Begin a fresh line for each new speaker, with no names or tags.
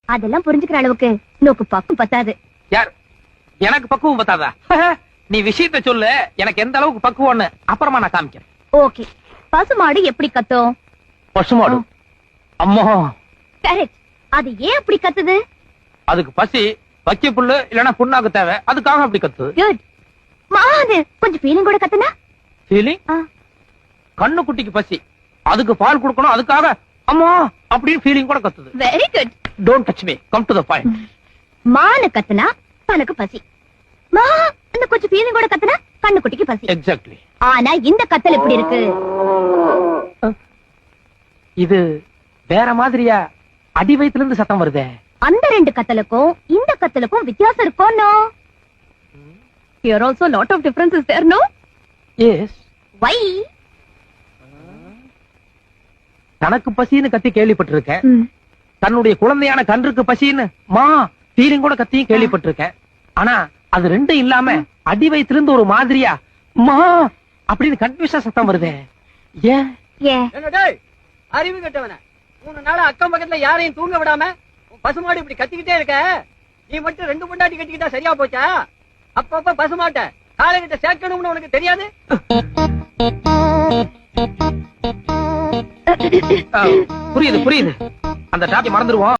அதெல்லாம் புரிஞ்சுக்கிற அளவுக்கு நோக்கு பக்கம் பத்தாது.
யார் எனக்கு பக்குவம் பத்தாதா? நீ விஷயத்த சொல்லு, எனக்கு எந்த அளவுக்கு பக்குவம்னு அப்புறமா நான் காமிக்கிறேன்.
ஓகே, பசுமாடு எப்படி கத்தும்?
பசுமாடு அம்மா
கரெக்ட். அது ஏன் அப்படி கத்துது?
அதுக்கு பசி, வக்கி புல்லு இல்லனா புண்ணாக்கு தேவை, அதுக்காக அப்படி கத்துது.
குட். மாது கொஞ்சம் ஃபீலிங் கூட கத்துனா?
ஃபீலிங்? கண்ணு குட்டிக்கு பசி, அதுக்கு பால் கொடுக்கணும், அதுக்காக அம்மா அப்படின்னு ஃபீலிங் கூட கத்துது.
Very good.
Don't touch me, come to the point.
மானு கத்துனா தனக்கு பசி, மா அந்த கொஞ்சம் ஃபீலிங் கூட கத்துனா கண்ணு குட்டிக்கு பசி.
எக்ஸாக்ட்லி.
ஆனா இந்த கத்தல் எப்படி இருக்கு?
இது வேற மாதிரியா அடி வயித்துல இருந்து சத்தம் வருதே.
அந்த ரெண்டு கத்தலுக்கும் இந்த கத்தலுக்கும் வித்தியாசம் இருக்கும். No, here also lot of difference is there, no?
Yes.
Why?
தனக்கு பசின்னு கத்தி கேள்விப்பட்டிருக்கேன், தன்னுடைய குழந்தையான கன்றுக்கு பசின்னு மா ஃபீலிங் கூட கத்தியும் கேள்விப்பட்டிருக்கேன். ஆனா அது ரெண்டும் இல்லாம அடி வயித்துல இருந்து ஒரு மாதிரியா மா அப்படின்னு கன்ஃபியூஷன் சத்தம் வருதே. ஏன்?
அறிவு கட்டவன 3 நாளா அக்கம் பக்கத்துல யாரையும் தூங்க விடாம பசுமாடு இப்படி கத்திக்கிட்டே இருக்க. நீ மட்டும் 2 பொண்டாட்டி கட்டிக்கிட்டா சரியா போச்சா? அப்பப்ப பசுமாட்ட காலைகிட்ட சேர்க்கணும்னு உனக்கு தெரியாது?
புரியுது புரியுது, அந்த டாபிக் மறந்துடுவோம்.